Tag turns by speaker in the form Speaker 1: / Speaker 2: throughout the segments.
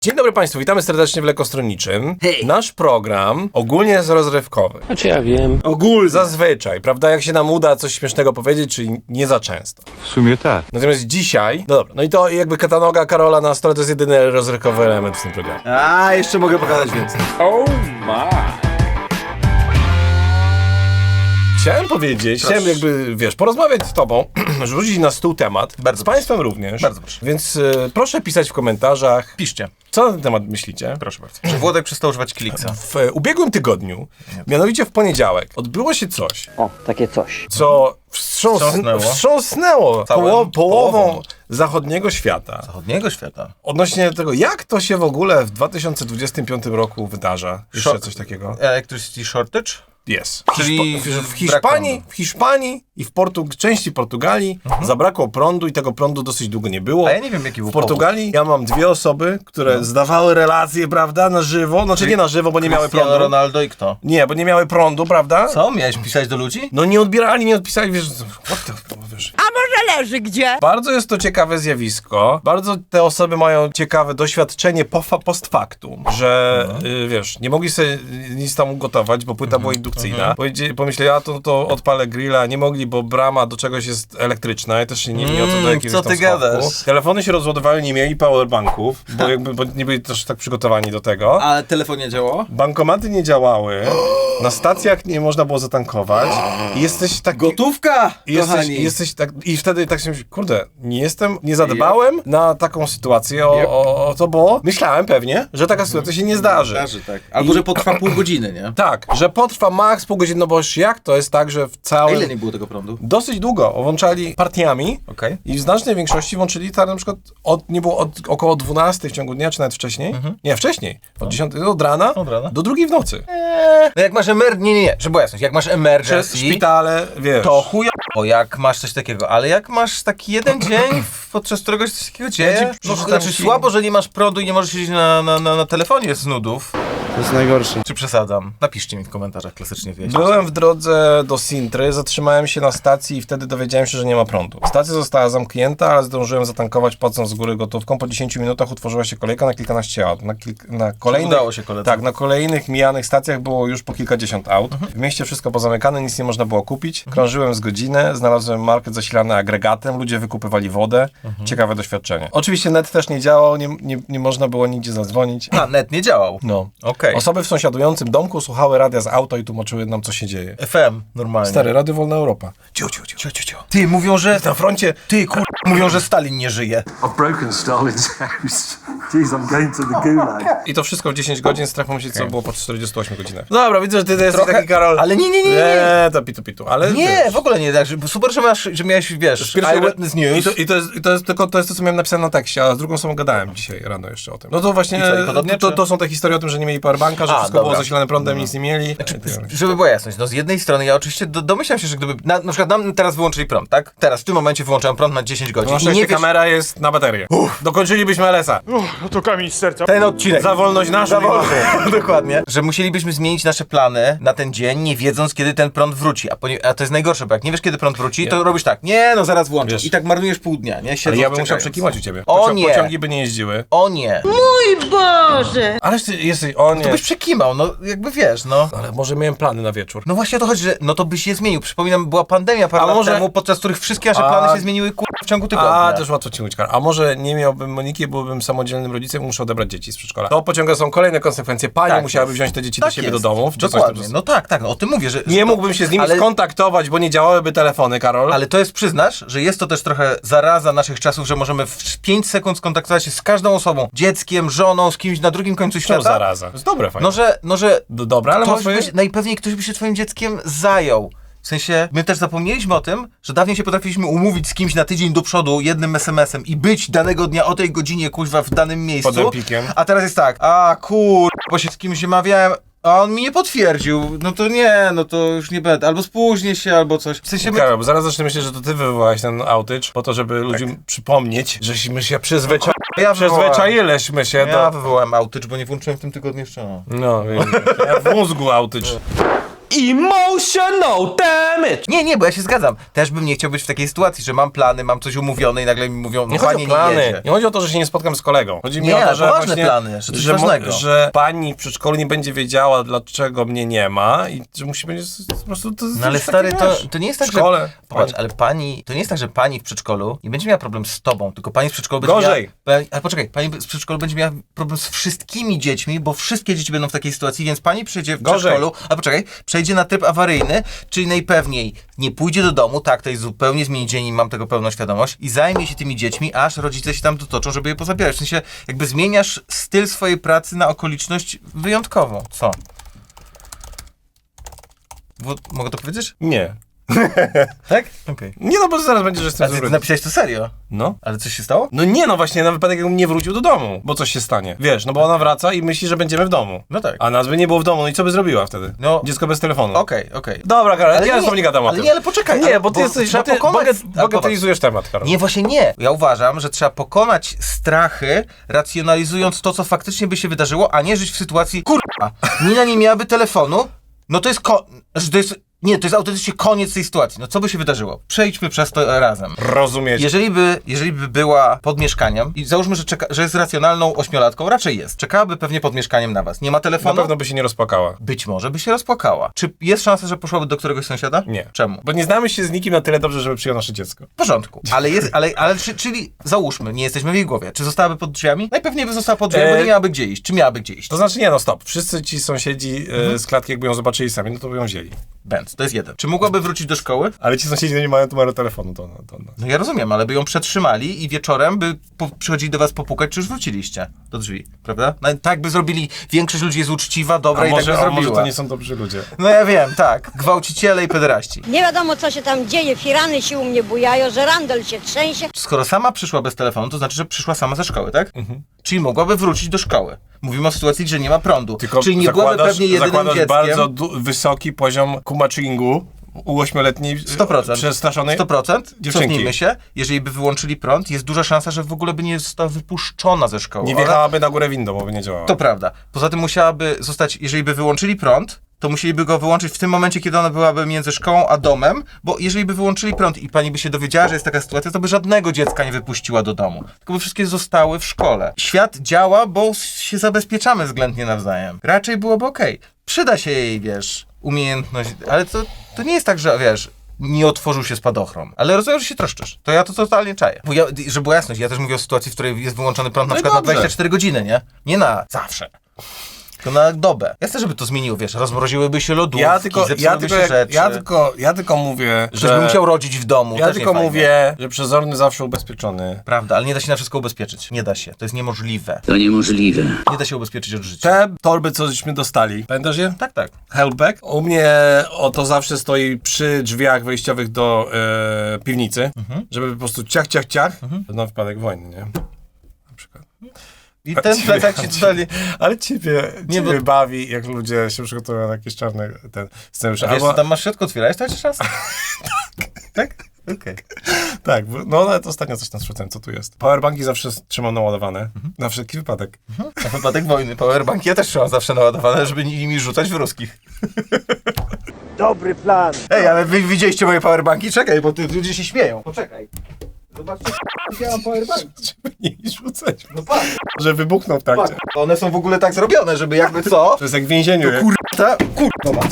Speaker 1: Dzień dobry Państwu, witamy serdecznie w Lekostronniczym.
Speaker 2: Hej.
Speaker 1: Nasz program ogólnie jest rozrywkowy.
Speaker 3: Znaczy ja wiem.
Speaker 1: Ogólnie. Zazwyczaj, prawda? Jak się nam uda coś śmiesznego powiedzieć, czyli nie za często.
Speaker 4: W sumie tak.
Speaker 1: Natomiast dzisiaj, no dobra, no i to jakby katanoga Karola na stole to jest jedyny rozrywkowy element w tym programie.
Speaker 2: A, jeszcze mogę pokazać więcej.
Speaker 1: Chciałem powiedzieć, chciałem jakby, wiesz, porozmawiać z tobą, rzucić na stół temat,
Speaker 2: Bardzo
Speaker 1: z Państwem również.
Speaker 2: Bardzo proszę.
Speaker 1: Więc proszę pisać w komentarzach,
Speaker 2: Piszcie,
Speaker 1: co na ten temat myślicie.
Speaker 2: proszę bardzo. Czy Włodek przestał używać Kliksa?
Speaker 1: W ubiegłym tygodniu, mianowicie w poniedziałek, odbyło się coś,
Speaker 3: O, takie coś.
Speaker 1: co wstrząsnęło
Speaker 2: Całym
Speaker 1: połową zachodniego świata.
Speaker 2: Zachodniego świata.
Speaker 1: Odnośnie tego, jak to się w ogóle w 2025 roku wydarza. Jeszcze coś takiego.
Speaker 2: Electricity shortage?
Speaker 1: Jest.
Speaker 2: Czyli
Speaker 1: W Hiszpanii i w części Portugalii zabrakło prądu i tego prądu dosyć długo nie było.
Speaker 2: A ja nie wiem, jaki był
Speaker 1: W Portugalii ja mam dwie osoby, które zdawały relacje, prawda, na żywo. Znaczy nie na żywo, bo nie miały
Speaker 2: Cristiano
Speaker 1: prądu.
Speaker 2: Ronaldo i kto?
Speaker 1: Nie, bo nie miały prądu, prawda?
Speaker 2: Co? Miałeś pisać do ludzi?
Speaker 1: No nie odbierali, nie odpisali, wiesz, wiesz.
Speaker 5: A może leży gdzie?
Speaker 1: Bardzo jest to ciekawe zjawisko. Bardzo te osoby mają ciekawe doświadczenie post factum, że wiesz, nie mogli sobie nic tam ugotować, bo płyta była indukcyjna. Pomyśleli, a to odpalę grilla, nie mogli, bo brama do czegoś jest elektryczna. Ja też się nie mieli o co do jakiegoś
Speaker 2: co
Speaker 1: tam
Speaker 2: ty
Speaker 1: schowku.
Speaker 2: gadasz?
Speaker 1: Telefony się rozładowały, nie mieli powerbanków, bo nie byli też tak przygotowani do tego.
Speaker 2: Ale telefon nie działało?
Speaker 1: Bankomaty nie działały, na stacjach nie można było zatankować i jesteś taki...
Speaker 2: Gotówka, kochani!
Speaker 1: Jesteś tak, i wtedy tak się myśli, kurde, nie zadbałem na taką sytuację o to, bo myślałem pewnie, że taka sytuacja się nie zdarzy.
Speaker 2: Tak. Albo, że potrwa pół godziny, nie?
Speaker 1: Tak, że potrwa maks pół godziny, no bo jak to jest tak, że w
Speaker 2: A
Speaker 1: całym...
Speaker 2: ile nie było tego prądu?
Speaker 1: Dosyć długo włączali partiami
Speaker 2: Okej.
Speaker 1: i w znacznej większości włączyli tak na przykład nie było około 12 w ciągu dnia, czy nawet wcześniej. Nie, wcześniej. Od 10 od rana do 2 w nocy.
Speaker 2: No jak masz nie, żeby była jasność, jak masz emergency,
Speaker 1: Szpitale, wiesz.
Speaker 2: to chujowo, jak masz coś takiego, ale jak masz taki jeden dzień, podczas którego się coś takiego dzieje, no, znaczy słabo, że nie masz prądu i nie możesz siedzieć na telefonie z nudów.
Speaker 4: To jest najgorsze.
Speaker 2: Czy przesadzam? Napiszcie mi w komentarzach, klasycznie wiecie.
Speaker 1: Byłem w drodze do Sintry, zatrzymałem się na stacji i wtedy dowiedziałem się, że nie ma prądu. Stacja została zamknięta, ale zdążyłem zatankować, płacąc z góry gotówką. Po 10 minutach utworzyła się kolejka na kilkanaście aut. Na kolejnych,
Speaker 2: Udało się koledze.
Speaker 1: Tak, na kolejnych mijanych stacjach było już po kilkadziesiąt aut. W mieście wszystko pozamykane, nic nie można było kupić. Krążyłem z godzinę, znalazłem market zasilany agregatem, ludzie wykupywali wodę. Ciekawe doświadczenie. Oczywiście net też nie działał, nie można było nigdzie zadzwonić.
Speaker 2: A, net nie działał.
Speaker 1: No.
Speaker 2: Okej.
Speaker 1: Osoby w sąsiadującym domku słuchały radia z auta i tłumaczyły nam, co się dzieje.
Speaker 2: FM, normalnie.
Speaker 1: Stary, Radio Wolna Europa. Ciu.
Speaker 2: Ty, mówią, że...
Speaker 1: Na froncie.
Speaker 2: Ty, mówią, że Stalin nie żyje.
Speaker 6: I've broken Stalin's house. Jeez, I'm going to the gulag.
Speaker 1: I to wszystko w 10 godzin, strach pomyśleć, co było po 48 godzinach. Dobra, widzę, że ty jesteś taki Karol.
Speaker 2: Ale nie.
Speaker 1: Nie, to pitu, ale
Speaker 2: Nie,
Speaker 1: wiesz,
Speaker 2: w ogóle nie, tak, super, że miałeś, wiesz, Eyewitness News.
Speaker 1: I to jest to, co miałem napisane na tekście, a z drugą osobą gadałem dzisiaj rano jeszcze o tym. No to właśnie,
Speaker 2: I co, i podobnie,
Speaker 1: to są te historie o tym, że nie mieli powerbanka, że wszystko było zasilane prądem, nic nie mieli.
Speaker 2: Żeby była jasność, no z jednej strony ja oczywiście domyślam się, że gdyby, na przykład nam teraz wyłączyli prąd, tak? Teraz, w tym momencie wyłączam prąd na 10 godzin.
Speaker 1: Na
Speaker 2: I
Speaker 1: szczęście
Speaker 2: nie wiesz,
Speaker 1: kamera jest na baterię. Dokończyliśmy LS-a.
Speaker 6: No to kamień z serca.
Speaker 2: ten odcinek.
Speaker 1: Za wolność naszą.
Speaker 2: Dokładnie. Że musielibyśmy zmienić nasze plany na ten dzień, nie wiedząc, kiedy ten prąd wróci. A to jest najgorsze, bo jak nie wiesz, kiedy prąd wróci, to robisz tak, nie, no zaraz włączę.
Speaker 1: Wiesz.
Speaker 2: I tak marnujesz pół dnia, nie?
Speaker 1: Ale
Speaker 2: Siedząc,
Speaker 1: ja bym musiał
Speaker 2: czekając.
Speaker 1: przekiwać u ciebie.
Speaker 2: O nie.
Speaker 1: Pociągi by nie jeździły.
Speaker 2: O nie.
Speaker 5: Boże!
Speaker 1: Ależ ty jesteś, o nie.
Speaker 2: To byś przekimał, no jakby wiesz, no.
Speaker 1: Ale może miałem plany na wieczór.
Speaker 2: No właśnie o to chodzi, że no to byś je zmienił. Przypominam, była pandemia parę lat
Speaker 1: może-
Speaker 2: temu, podczas których wszystkie nasze plany się zmieniły w ciągu tygodnia.
Speaker 1: A, też łatwo ci mówić, Karol. A może nie miałbym Moniki, byłbym samodzielnym rodzicem i muszę odebrać dzieci z przedszkola. To pociąga są kolejne konsekwencje. Pani
Speaker 2: Tak
Speaker 1: musiałaby
Speaker 2: jest.
Speaker 1: wziąć te dzieci do
Speaker 2: Tak
Speaker 1: siebie
Speaker 2: jest.
Speaker 1: do domów. Czy coś
Speaker 2: Dokładnie,
Speaker 1: tam-
Speaker 2: no tak, no o tym mówię, że...
Speaker 1: Nie mógłbym się z nimi
Speaker 2: ale-
Speaker 1: skontaktować, bo nie działałyby telefony, Karol.
Speaker 2: Ale to jest, przyznasz, że jest to też trochę zaraza naszych czasów, że możemy w 5 sekund skontaktować się z każdą osobą, dzieckiem, żoną, z kimś na drugim końcu
Speaker 1: To
Speaker 2: świata.
Speaker 1: zaraza. To jest dobre, fajnie.
Speaker 2: No, że
Speaker 1: Dobra, ale
Speaker 2: ktoś
Speaker 1: może...
Speaker 2: najpewniej ktoś by się twoim dzieckiem zajął. W sensie, my też zapomnieliśmy o tym, że dawniej się potrafiliśmy umówić z kimś na tydzień do przodu jednym SMS-em i być danego dnia o tej godzinie, kuźwa, w danym miejscu.
Speaker 1: Pod Empikiem.
Speaker 2: A teraz jest tak, bo się z kimś umawiałem, a on mi nie potwierdził. No to nie, no to już nie będę. Albo spóźnię się, albo coś. W sensie
Speaker 1: Karol, bo zaraz zacznę myśleć, że to ty wywołałeś ten outage po to, żeby ludziom przypomnieć, żeśmy się przyzwyczailiśmy się
Speaker 2: Ja
Speaker 1: do...
Speaker 2: wywołałem outage, bo nie włączyłem w tym tygodniu jeszcze.
Speaker 1: No, wiem. Ja w mózgu outage.
Speaker 3: Emotional damage!
Speaker 2: Nie, bo ja się zgadzam. Też bym nie chciał być w takiej sytuacji, że mam plany, mam coś umówione i nagle mi mówią,
Speaker 1: Nie
Speaker 2: no
Speaker 1: chodzi
Speaker 2: panie,
Speaker 1: o plany.
Speaker 2: nie jedzie.
Speaker 1: Nie chodzi o to, że się nie spotkam z kolegą. Chodzi mi
Speaker 2: Nie,
Speaker 1: o to, że
Speaker 2: poważne
Speaker 1: właśnie,
Speaker 2: plany, że coś ważnego.
Speaker 1: że pani w przedszkolu nie będzie wiedziała, dlaczego mnie nie ma i że musi będzie po prostu...
Speaker 2: No ale stary, to nie jest tak,
Speaker 1: w szkole,
Speaker 2: że... Popatrz, ale to nie jest tak, że pani w przedszkolu nie będzie miała problem z tobą, tylko pani w przedszkolu będzie
Speaker 1: Gorzej.
Speaker 2: miała... Ale poczekaj, pani z przedszkolu będzie miała problem z wszystkimi dziećmi, bo wszystkie dzieci będą w takiej sytuacji, więc pani przejdzie w
Speaker 1: Gorzej.
Speaker 2: przedszkolu, a poczekaj, przejdzie na tryb awaryjny, czyli najpewniej nie pójdzie do domu, tak, to jest zupełnie zmieni dzień i mam tego pełną świadomość, i zajmie się tymi dziećmi, aż rodzice się tam dotoczą, żeby je pozabierać. W sensie, jakby zmieniasz styl swojej pracy na okoliczność wyjątkową. Co? Mogę to powiedzieć?
Speaker 1: Nie.
Speaker 2: Tak? Okej.
Speaker 1: Nie no, bo zaraz będzie, że
Speaker 2: A
Speaker 1: jestem
Speaker 2: ty
Speaker 1: zły.
Speaker 2: napisałeś to serio?
Speaker 1: No.
Speaker 2: Ale coś się stało?
Speaker 1: No nie, no właśnie, na wypadek jakbym nie wrócił do domu, bo coś się stanie. Wiesz, no bo ona wraca i myśli, że będziemy w domu.
Speaker 2: No tak.
Speaker 1: A nas by nie było w domu, no i co by zrobiła wtedy?
Speaker 2: No.
Speaker 1: Dziecko bez telefonu.
Speaker 2: Okej.
Speaker 1: Dobra, Karol,
Speaker 2: Ale
Speaker 1: ja
Speaker 2: nie-
Speaker 1: z tobą nie gadam o
Speaker 2: ale
Speaker 1: tym.
Speaker 2: nie, ale poczekaj,
Speaker 1: Nie,
Speaker 2: ale-
Speaker 1: bo ty
Speaker 2: bo
Speaker 1: jesteś,
Speaker 2: trzeba
Speaker 1: bo ty
Speaker 2: pokonać-
Speaker 1: bagatelizujesz temat, Karol.
Speaker 2: Nie, właśnie nie. Ja uważam, że trzeba pokonać strachy, racjonalizując to, co faktycznie by się wydarzyło, a nie żyć w sytuacji, kurwa, Nina nie miałaby telefonu, no to jest Nie, to jest autentycznie koniec tej sytuacji. No co by się wydarzyło? Przejdźmy przez to razem.
Speaker 1: Rozumieć.
Speaker 2: Jeżeli by była pod mieszkaniem i załóżmy, że jest racjonalną ośmiolatką, raczej jest. Czekałaby pewnie pod mieszkaniem na was. Nie ma
Speaker 1: Na
Speaker 2: telefonu?
Speaker 1: pewno by się nie rozpłakała.
Speaker 2: Być może by się rozpłakała. Czy jest szansa, że poszłaby do któregoś sąsiada?
Speaker 1: Nie.
Speaker 2: Czemu?
Speaker 1: Bo nie znamy się z nikim na tyle dobrze, żeby przyjął nasze dziecko.
Speaker 2: W porządku. Czyli załóżmy, nie jesteśmy w jej głowie. Czy zostałaby pod drzwiami? Najpewniej by została pod drzwiami, bo nie miałaby gdzie iść. Czy miałaby gdzie iść?
Speaker 1: To znaczy nie, no stop. Wszyscy ci sąsiedzi z klatki, jakby ją zobaczyli sami, no to by ją wzięli.
Speaker 2: Bęc, to jest jeden. Czy mogłaby wrócić do szkoły?
Speaker 1: Ale ci sąsiedzi nie mają numeru telefonu,
Speaker 2: No ja rozumiem, ale by ją przetrzymali i wieczorem by przychodzili do was popukać, czy już wróciliście do drzwi, prawda? No, tak by zrobili. Większość ludzi jest uczciwa, dobra i tak by
Speaker 1: a może
Speaker 2: zrobiła.
Speaker 1: to nie są dobrzy ludzie.
Speaker 2: No ja wiem, tak. Gwałciciele i pederaści.
Speaker 5: Nie wiadomo, co się tam dzieje, firany się u mnie bujają, że randel się trzęsie.
Speaker 2: Skoro sama przyszła bez telefonu, to znaczy, że przyszła sama ze szkoły, tak? Czyli mogłaby wrócić do szkoły. Mówimy o sytuacji, że nie ma prądu. Czyli nie byłaby pewnie jedynym
Speaker 1: zakładasz
Speaker 2: dzieckiem.
Speaker 1: bardzo wysoki poziom kumaczyngu u 8-letniej
Speaker 2: 100%.
Speaker 1: przestraszonej
Speaker 2: 100%.
Speaker 1: dziewczynki.
Speaker 2: Cofnijmy się. Jeżeli by wyłączyli prąd, jest duża szansa, że w ogóle by nie została wypuszczona ze szkoły.
Speaker 1: Nie
Speaker 2: Ona-
Speaker 1: wjechałaby na górę windą, bo by nie działała.
Speaker 2: To prawda. Poza tym musiałaby zostać, jeżeli by wyłączyli prąd, to musieliby go wyłączyć w tym momencie, kiedy ona byłaby między szkołą a domem, bo jeżeli by wyłączyli prąd i pani by się dowiedziała, że jest taka sytuacja, to by żadnego dziecka nie wypuściła do domu. Tylko by wszystkie zostały w szkole. Świat działa, bo się zabezpieczamy względnie nawzajem. Raczej byłoby okej. Przyda się jej, wiesz, umiejętność, ale to nie jest tak, że, wiesz, nie otworzył się spadochron. Ale rozumiem, że się troszczysz. To ja to totalnie czaję. Bo żeby była jasność, ja też mówię o sytuacji, w której jest wyłączony prąd na
Speaker 1: No i
Speaker 2: przykład na
Speaker 1: dobrze.
Speaker 2: 24 godziny, nie? Nie na zawsze. Tylko na dobę. Ja chcę, żeby to zmieniło, wiesz, rozmroziłyby się lodówki, zepsułyby się rzeczy.
Speaker 1: Ja tylko mówię,
Speaker 2: Ktoś by musiał rodzić w domu.
Speaker 1: Ja
Speaker 2: też
Speaker 1: tylko
Speaker 2: nie fajnie.
Speaker 1: mówię, że przezorny zawsze ubezpieczony.
Speaker 2: Prawda, ale nie da się na wszystko ubezpieczyć. Nie da się. To jest niemożliwe.
Speaker 4: To niemożliwe.
Speaker 2: Nie da się ubezpieczyć od życia.
Speaker 1: Te torby, cośmy dostali, pamiętasz je?
Speaker 2: Tak, tak.
Speaker 1: Helpback. U mnie to zawsze stoi przy drzwiach wejściowych do piwnicy, żeby po prostu ciach. Na wypadek wojny, nie? Na przykład.
Speaker 2: I ten plecak ci dali.
Speaker 1: Ale ciebie
Speaker 2: Nie, bo-
Speaker 1: bawi, jak ludzie się przygotowują na jakieś czarne scenariusze.
Speaker 2: A wiesz, co tam masz w środku? Otwierałeś to jeszcze raz? Tak? Okej.
Speaker 1: Tak, no ale to ostatnio coś tam sprawdzałem, co tu jest. Powerbanki zawsze trzymam naładowane, na wszelki wypadek.
Speaker 2: Na wypadek wojny. Powerbanki ja też trzymam zawsze naładowane, żeby nimi rzucać w ruskich.
Speaker 7: Dobry plan.
Speaker 2: Ej, ale wy widzieliście moje powerbanki? Czekaj, bo ludzie się śmieją. Poczekaj. Zobaczcie, ja mam powerbanki.
Speaker 1: Żeby nie rzucać,
Speaker 2: No patrz,
Speaker 1: że wybuchnął w trakcie.
Speaker 2: patrz. One są w ogóle tak zrobione, żeby jakby co?
Speaker 1: To jest jak w więzieniu. nie?
Speaker 2: Kurwa,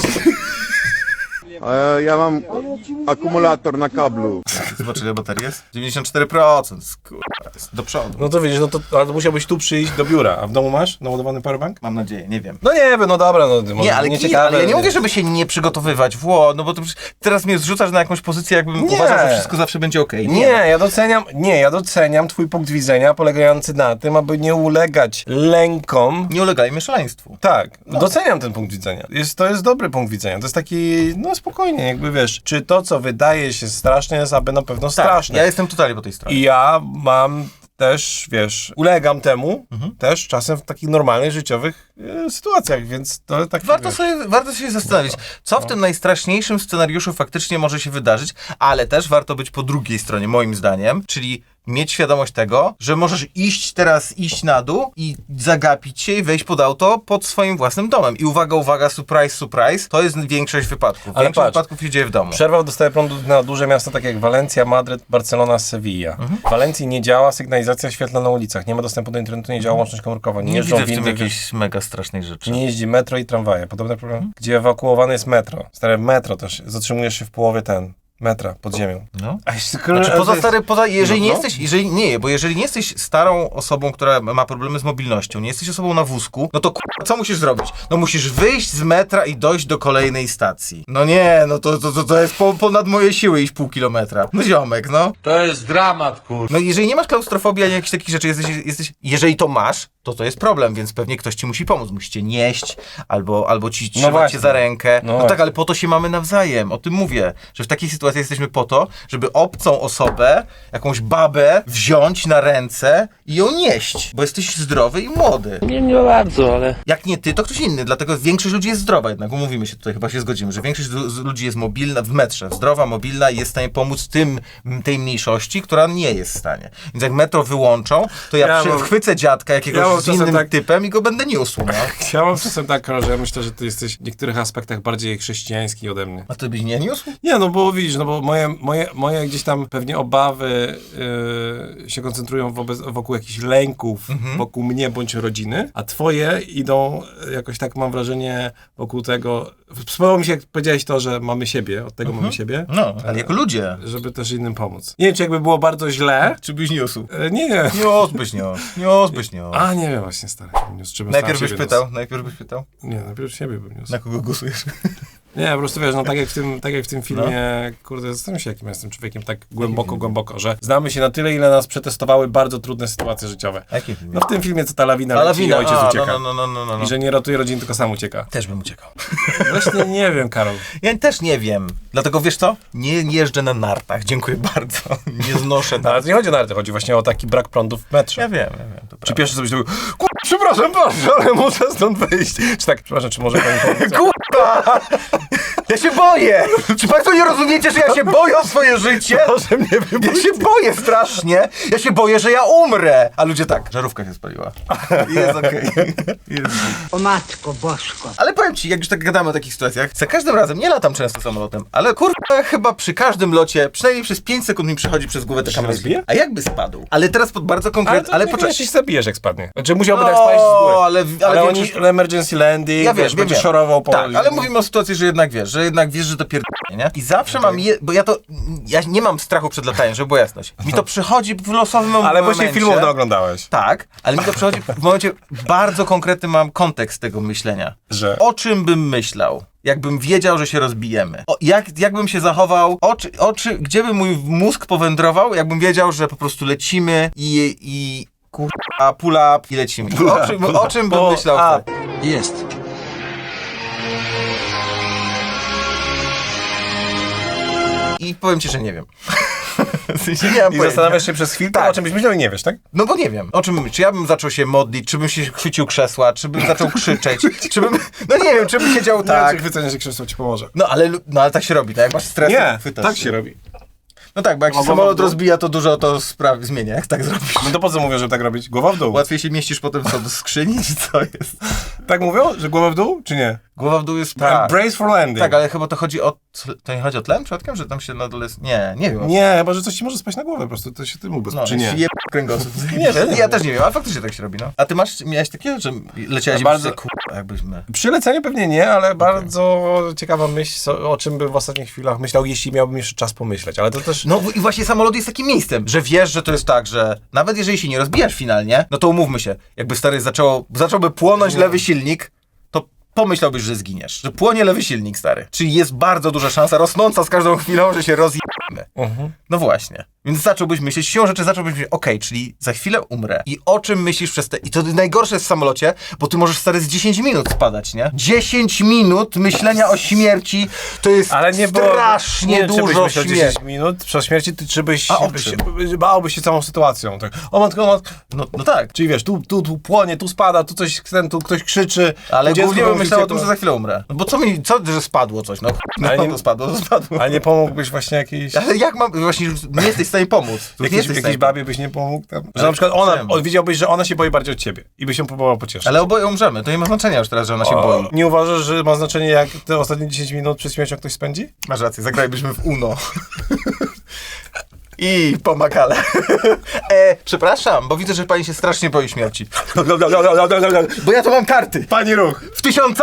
Speaker 8: Ja mam akumulator na kablu.
Speaker 2: Zobacz, ile baterii jest? 94%. Kurwa, jest do przodu.
Speaker 1: No to widzisz, ale to musiałbyś tu przyjść do biura. A w domu masz naładowany powerbank?
Speaker 2: Mam nadzieję, nie wiem.
Speaker 1: No nie wiem, no dobra, no może
Speaker 2: Nie, ale,
Speaker 1: nieciekawe.
Speaker 2: ale ja nie mówię, żeby się nie przygotowywać. No bo to teraz mnie zrzucasz na jakąś pozycję, jakbym
Speaker 1: Nie.
Speaker 2: uważał, że wszystko zawsze będzie okej.
Speaker 1: Ja doceniam twój punkt widzenia polegający na tym, aby nie ulegać lękom.
Speaker 2: Nie ulegajmy szaleństwu.
Speaker 1: Tak, doceniam ten punkt widzenia. To jest dobry punkt widzenia. To jest taki, no spokojnie, jakby wiesz, czy to, co wydaje się straszne, jest aby na pewno straszne.
Speaker 2: Ja jestem totalnie po tej stronie.
Speaker 1: I ja mam też, wiesz, ulegam temu też czasem w takich normalnych, życiowych sytuacjach, więc to tak...
Speaker 2: Warto się zastanowić, co w tym najstraszniejszym scenariuszu faktycznie może się wydarzyć, ale też warto być po drugiej stronie, moim zdaniem, czyli mieć świadomość tego, że możesz iść na dół i zagapić się i wejść pod auto pod swoim własnym domem. I uwaga, surprise, surprise, to jest większość wypadków.
Speaker 1: Ale
Speaker 2: Większość
Speaker 1: patrz,
Speaker 2: wypadków się dzieje w domu.
Speaker 1: Przerwał dostaje prądu na duże miasta takie jak Walencja, Madryt, Barcelona, Sevilla. W Walencji nie działa sygnalizacja świetlna na ulicach, nie ma dostępu do internetu, nie działa łączność komórkowa, nie
Speaker 2: Nie
Speaker 1: jeżdżą
Speaker 2: widzę w tym
Speaker 1: windy,
Speaker 2: jakiejś mega strasznej rzeczy.
Speaker 1: nie jeździ metro i tramwaje. Podobny problem? Gdzie ewakuowane jest metro. Stare metro też, zatrzymujesz się w połowie metra pod ziemią.
Speaker 2: No.
Speaker 1: A jeśli
Speaker 2: Znaczy jeżeli
Speaker 1: No,
Speaker 2: nie jeżeli nie jesteś starą osobą, która ma problemy z mobilnością, nie jesteś osobą na wózku, no to co musisz zrobić? No musisz wyjść z metra i dojść do kolejnej stacji. No nie, no to jest ponad moje siły iść pół kilometra. No ziomek, no.
Speaker 3: To jest dramat, kur...
Speaker 2: No jeżeli nie masz klaustrofobii ani jakichś takich rzeczy, jeżeli to masz, to jest problem, więc pewnie ktoś ci musi pomóc. Musi cię nieść, albo ci trzymać
Speaker 1: właśnie.
Speaker 2: cię za rękę.
Speaker 1: No
Speaker 2: No
Speaker 1: właśnie.
Speaker 2: tak, ale po to się mamy nawzajem. O tym mówię, że w takiej sytuacji jesteśmy po to, żeby obcą osobę, jakąś babę wziąć na ręce i ją nieść, bo jesteś zdrowy i młody.
Speaker 7: Nie bardzo, ale...
Speaker 2: Jak nie ty, to ktoś inny, dlatego większość ludzi jest zdrowa jednak, umówimy się tutaj, chyba się zgodzimy, że większość ludzi jest mobilna w metrze, zdrowa, mobilna i jest w stanie pomóc tej mniejszości, która nie jest w stanie. Więc jak metro wyłączą, to chwycę dziadka jakiegoś z innym typem i go będę niósł, no.
Speaker 1: Ja mam czasem tak, że ja myślę, że ty jesteś w niektórych aspektach bardziej chrześcijański ode mnie.
Speaker 2: A ty byś nie niósł?
Speaker 1: Nie, no bo widzisz, no bo moje gdzieś tam pewnie obawy się koncentrują wokół jakichś lęków, wokół mnie bądź rodziny, a twoje idą jakoś tak, mam wrażenie, wokół tego... Spodobało mi się, jak powiedziałeś to, że mamy siebie, od tego mamy siebie.
Speaker 2: No, ale jako ludzie.
Speaker 1: Żeby też innym pomóc. Nie wiem, czy jakby było bardzo źle...
Speaker 2: Czy byś niósł?
Speaker 1: Nie.
Speaker 2: Niósłbyś.
Speaker 1: A, nie wiem właśnie, stary.
Speaker 2: Najpierw byś pytał?
Speaker 1: Nie, najpierw siebie bym niósł.
Speaker 2: Na kogo głosujesz?
Speaker 1: Nie, po prostu wiesz, no tak jak w tym filmie, kurde, zastanawiam się, jakim ja jestem człowiekiem tak głęboko, że znamy się na tyle, ile nas przetestowały bardzo trudne sytuacje życiowe.
Speaker 2: Jakim filmie?
Speaker 1: No w tym filmie, co ta lawina leci i ojciec ucieka.
Speaker 2: No.
Speaker 1: I że nie ratuje rodziny, tylko sam ucieka.
Speaker 2: Też bym uciekał.
Speaker 1: Właśnie nie wiem, Karol.
Speaker 2: Ja też nie wiem. Dlatego wiesz co? Nie jeżdżę na nartach. Dziękuję bardzo. Nie znoszę
Speaker 1: No, ale
Speaker 2: nart.
Speaker 1: to nie chodzi o narty, chodzi właśnie o taki brak prądu w metrze.
Speaker 2: Ja wiem. To
Speaker 1: Czy pierwszy sobie myślał, przepraszam bardzo, ale muszę stąd wyjść. Czy tak, przepraszam, czy może pani pomóc?
Speaker 2: Kurwa! Ja się boję! Czy państwo nie rozumiecie, że ja się boję o swoje życie?
Speaker 1: Proszę mnie wypuścić.
Speaker 2: Ja się boję strasznie! Ja się boję, że ja umrę! A ludzie tak, żarówka się spaliła. Jest okej.
Speaker 5: O matko bosko.
Speaker 2: Ale powiem ci, jak już tak gadamy o takich sytuacjach, za każdym razem, nie latam często samolotem, ale kurwa chyba przy każdym locie, przynajmniej przez 5 sekund mi przychodzi przez głowę taka myśl.
Speaker 1: rozbije?
Speaker 2: A jakby spadł? Ale teraz pod bardzo konkretny...
Speaker 1: Ale poczekaj, się zabijesz, jak spadnie. Znaczy musiałby tak spaść z góry.
Speaker 2: ale
Speaker 1: oni,
Speaker 2: większość...
Speaker 1: emergency landing,
Speaker 2: Ja
Speaker 1: wiesz,
Speaker 2: wiem,
Speaker 1: będzie
Speaker 2: wiem.
Speaker 1: szorował po...
Speaker 2: Tak, ale mówimy o sytuacji, że jednak wiesz, że to pierdolnie, nie? I zawsze mam bo ja nie mam strachu przed lataniem, żeby była jasność. Mi to przychodzi w losowym momencie.
Speaker 1: Ale właśnie filmów oglądałeś.
Speaker 2: Tak, ale mi to przychodzi w momencie, bardzo konkretny mam kontekst tego myślenia.
Speaker 1: Że?
Speaker 2: O czym bym myślał? Jakbym wiedział, że się rozbijemy. Jak bym się zachował? Gdzie by mój mózg powędrował? Jakbym wiedział, że po prostu lecimy i kurwa, pull up i lecimy. O czym bym myślał?
Speaker 3: Jest.
Speaker 2: I powiem ci, że nie wiem. W sensie nie mam
Speaker 1: I
Speaker 2: pojęcia.
Speaker 1: zastanawiasz się przez chwilę,
Speaker 2: Tak.
Speaker 1: o czym byś myślał i nie wiesz, tak?
Speaker 2: No bo nie wiem, o czym myśleć. Czy ja bym zaczął się modlić, czy bym się chwycił krzesła, czy bym zaczął krzyczeć, czy bym... No nie wiem, czy bym siedział tak.
Speaker 1: Czy chwycenie, że krzesło ci pomoże.
Speaker 2: No ale tak się robi, tak? Jak masz stres, to chwytasz
Speaker 1: tak
Speaker 2: się.
Speaker 1: się robi.
Speaker 2: No tak, bo jak się
Speaker 1: Głowa w
Speaker 2: samolot
Speaker 1: dół?
Speaker 2: rozbija, to dużo to zmienia, jak tak zrobisz.
Speaker 1: No to po co mówią, żeby tak robić? Głowa w dół.
Speaker 2: Łatwiej się mieścisz potem co, do skrzyni, czy co jest?
Speaker 1: Tak mówią, że głowa w dół, czy nie?
Speaker 2: Głowa w dół jest...
Speaker 1: Tak, brace for landing.
Speaker 2: Tak, ale chyba to chodzi o... To nie chodzi o tlen przypadkiem, że tam się na dole... Nie wiem.
Speaker 1: Nie, chyba, że coś ci może spaść na głowę, po prostu to się tym ubezpieczy, czy nie?
Speaker 2: Je kręgosłup. Ja też nie wiem, ale faktycznie tak się robi, no. A ty miałeś takiego, że leciałeś
Speaker 1: Bardzo-
Speaker 2: kurwa, jakbyśmy...
Speaker 1: Przy leceniu pewnie nie, ale bardzo ciekawa myśl, o czym bym w ostatnich chwilach myślał, jeśli miałbym jeszcze czas pomyśleć, ale to też...
Speaker 2: No i właśnie samolot jest takim miejscem, że wiesz, że to jest tak, że nawet jeżeli się nie rozbijasz finalnie, no to umówmy się, jakby stary zacząłby płonąć lewy silnik, to pomyślałbyś, że zginiesz. Że płonie lewy silnik, stary. Czyli jest bardzo duża szansa, rosnąca z każdą chwilą, że się rozjemy. No właśnie. Więc zacząłbyś myśleć, siłą rzeczy zacząłbyś myśleć, okej, czyli za chwilę umrę. I o czym myślisz przez te... I to najgorsze jest w samolocie, bo ty możesz, stary, z 10 minut spadać, nie? 10 minut myślenia o śmierci to jest
Speaker 1: Ale nie było,
Speaker 2: strasznie
Speaker 1: nie, czy byś
Speaker 2: dużo
Speaker 1: myślał
Speaker 2: śmierci.
Speaker 1: 10 minut przed śmierci, czy byś
Speaker 2: owszem.
Speaker 1: bałbyś się całą sytuacją. Tak. O matko.
Speaker 2: No tak.
Speaker 1: Czyli wiesz, tu płonie, tu spada, tu coś, tu ktoś krzyczy.
Speaker 2: Ale
Speaker 1: tu dziecko
Speaker 2: głównie bym
Speaker 1: mówi,
Speaker 2: myślał o
Speaker 1: to-
Speaker 2: tym, że za chwilę umrę. No bo że spadło coś, no.
Speaker 1: Ale
Speaker 2: No
Speaker 1: nie-
Speaker 2: to spadło.
Speaker 1: Ale nie pomógłbyś właśnie jakiejś...
Speaker 2: Ale jak mam... Właśnie już nie jesteś w stanie pomóc. Nie jesteś w
Speaker 1: Jakiejś
Speaker 2: stanie
Speaker 1: babie byś nie pomógł tam? Że
Speaker 2: Ale
Speaker 1: na przykład
Speaker 2: czemu?
Speaker 1: widziałbyś, że ona się boi bardziej od ciebie i byś się próbował pocieszyć.
Speaker 2: Ale oboje umrzemy. To nie ma znaczenia już teraz, że ona się boi.
Speaker 1: Nie uważasz, że ma znaczenie, jak te ostatnie 10 minut przed śmiercią ktoś spędzi?
Speaker 2: Masz rację, zagralibyśmy w Uno. I pomakale. Przepraszam, bo widzę, że pani się strasznie boi śmierci. Bo ja to mam karty.
Speaker 1: Pani ruch!
Speaker 2: W 1000?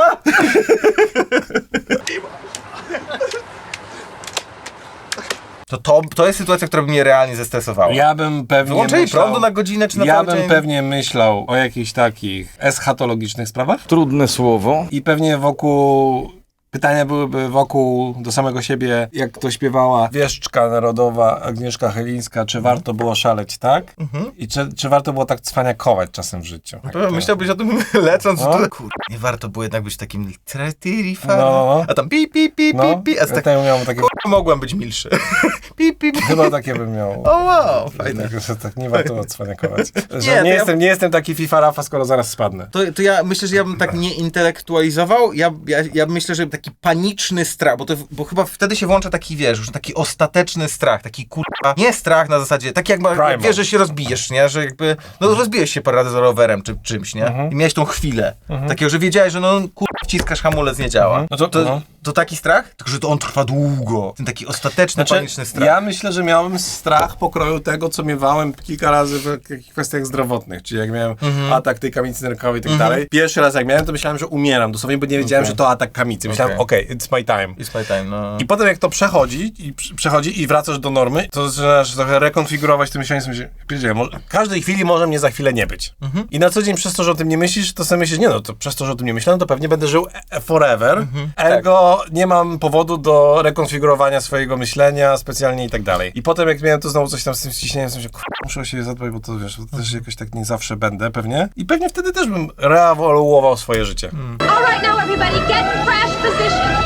Speaker 2: To jest sytuacja, która by mnie realnie zestresowała.
Speaker 1: Ja bym pewnie
Speaker 2: Wyłączenie
Speaker 1: myślał...
Speaker 2: prądu na godzinę czy na
Speaker 1: Ja
Speaker 2: cały
Speaker 1: bym
Speaker 2: dzień?
Speaker 1: pewnie myślał o jakichś takich eschatologicznych sprawach
Speaker 3: Trudne słowo.
Speaker 1: i pewnie wokół... Pytania byłyby wokół do samego siebie, jak to śpiewała wieszczka narodowa Agnieszka Chylińska, czy warto było szaleć, tak? I czy warto było tak cwaniakować czasem w życiu? Tak,
Speaker 2: To myślałbyś o tym lecąc
Speaker 1: No.
Speaker 2: tu. Kurde, nie warto było jednak być takim
Speaker 1: No.
Speaker 2: a tam pi, pi, pi,
Speaker 1: No,
Speaker 2: pi, pi, a z
Speaker 1: ja
Speaker 2: tak
Speaker 1: tak miał takie...
Speaker 2: mogłem być milszy. Pi, pi, pi.
Speaker 1: Chyba takie bym miał.
Speaker 2: O wow, fajne.
Speaker 1: Tak, że tak nie warto cwaniakować.
Speaker 2: Nie,
Speaker 1: Że
Speaker 2: to
Speaker 1: nie,
Speaker 2: ja-
Speaker 1: nie jestem taki FIFA Rafa, skoro zaraz spadnę.
Speaker 2: To ja myślę, że ja bym tak nie intelektualizował. Ja myślę, że taki paniczny strach, bo chyba wtedy się włącza taki, wiesz, już taki ostateczny strach, taki kurwa, nie strach na zasadzie, tak jak
Speaker 1: Primal.
Speaker 2: wiesz, że się rozbijesz, nie, że jakby, no rozbijesz się parę razy z rowerem czy czymś, nie, i miałeś tą chwilę, takiego, że wiedziałeś, że no kurwa wciskasz hamulec, nie działa.
Speaker 1: No
Speaker 2: To taki strach? Tylko, że to on trwa długo. Ten taki ostateczny, paniczny strach.
Speaker 1: Ja myślę, że miałem strach pokroju tego, co miewałem kilka razy w jakich kwestiach zdrowotnych, czyli jak miałem atak tej kamicy nerkowej i tak dalej. Pierwszy raz jak miałem, to myślałem, że umieram dosłownie, bo nie wiedziałem, że to atak kamicy. Myślałem, okej, it's my time.
Speaker 2: It's my time, no.
Speaker 1: I potem jak to przechodzi i wracasz do normy, to zaczynasz trochę rekonfigurować to myślenie, sobie w każdej chwili może mnie za chwilę nie być. I na co dzień przez to, że o tym nie myślisz, to sobie myślisz, nie no, to przez to, że o tym nie myślałem, to pewnie będę żył forever. Ergo nie mam powodu do rekonfigurowania swojego myślenia specjalnie i tak dalej. I potem jak miałem to znowu coś tam z tym ściśnieniem, sobie muszę o siebie zadbać, bo to wiesz, to też jakoś tak nie zawsze będę pewnie. I pewnie wtedy też bym reewoluował swoje życie.
Speaker 4: All right, now everybody get in crash position.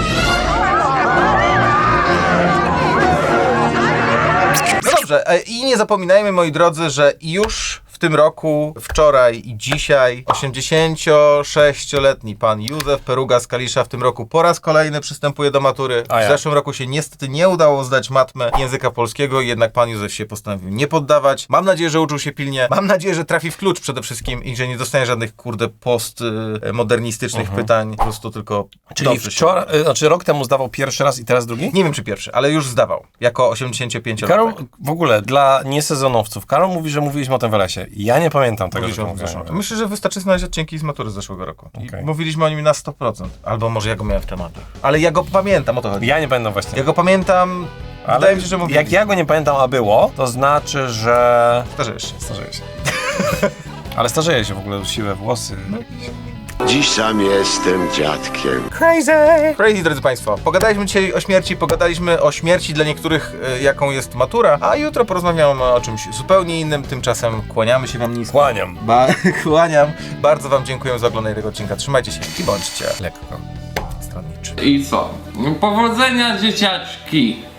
Speaker 2: No dobrze, i nie zapominajmy, moi drodzy, że już w tym roku, wczoraj i dzisiaj 86-letni pan Józef Peruga z Kalisza w tym roku po raz kolejny przystępuje do matury.
Speaker 1: A
Speaker 2: W
Speaker 1: ja.
Speaker 2: zeszłym roku się niestety nie udało zdać matmę języka polskiego, jednak pan Józef się postanowił nie poddawać. Mam nadzieję, że uczył się pilnie. Mam nadzieję, że trafi w klucz przede wszystkim i że nie dostanie żadnych, postmodernistycznych pytań. Po prostu tylko
Speaker 1: Czyli
Speaker 2: dobrze się
Speaker 1: wczoraj, znaczy rok temu zdawał pierwszy raz i teraz drugi?
Speaker 2: Nie wiem, czy pierwszy, ale już zdawał. Jako 85-latek.
Speaker 1: Karol, w ogóle dla niesezonowców, Karol mówi, że mówiliśmy o tym w lesie. Ja nie pamiętam tego,
Speaker 2: Mówiliśmy
Speaker 1: że
Speaker 2: o
Speaker 1: mówiłem.
Speaker 2: zeszłym roku. Myślę, że wystarczy znaleźć odcinki z matury z zeszłego roku.
Speaker 1: Okej.
Speaker 2: I mówiliśmy o nim na 100%. Albo może ja go miałem w tematach. Ale ja go pamiętam, o to chodzi.
Speaker 1: Ja nie pamiętam właśnie.
Speaker 2: Ja go pamiętam, wydaje mi się, że mówiliśmy.
Speaker 1: jak ja go nie pamiętam, a było, to znaczy, że...
Speaker 2: Starzejesz się.
Speaker 1: Starzeję się. Ale starzeję się w ogóle, siwe włosy.
Speaker 8: Dziś sam jestem dziadkiem.
Speaker 2: Crazy, drodzy Państwo. Pogadaliśmy dzisiaj o śmierci, pogadaliśmy o śmierci dla niektórych, jaką jest matura, a jutro porozmawiamy o czymś zupełnie innym. Tymczasem kłaniamy się Wam nisko.
Speaker 1: Kłaniam.
Speaker 2: Kłaniam. Bardzo Wam dziękuję za oglądanie tego odcinka. Trzymajcie się i bądźcie
Speaker 1: Lekko.
Speaker 2: stronniczy.
Speaker 9: I co? Powodzenia, dzieciaczki!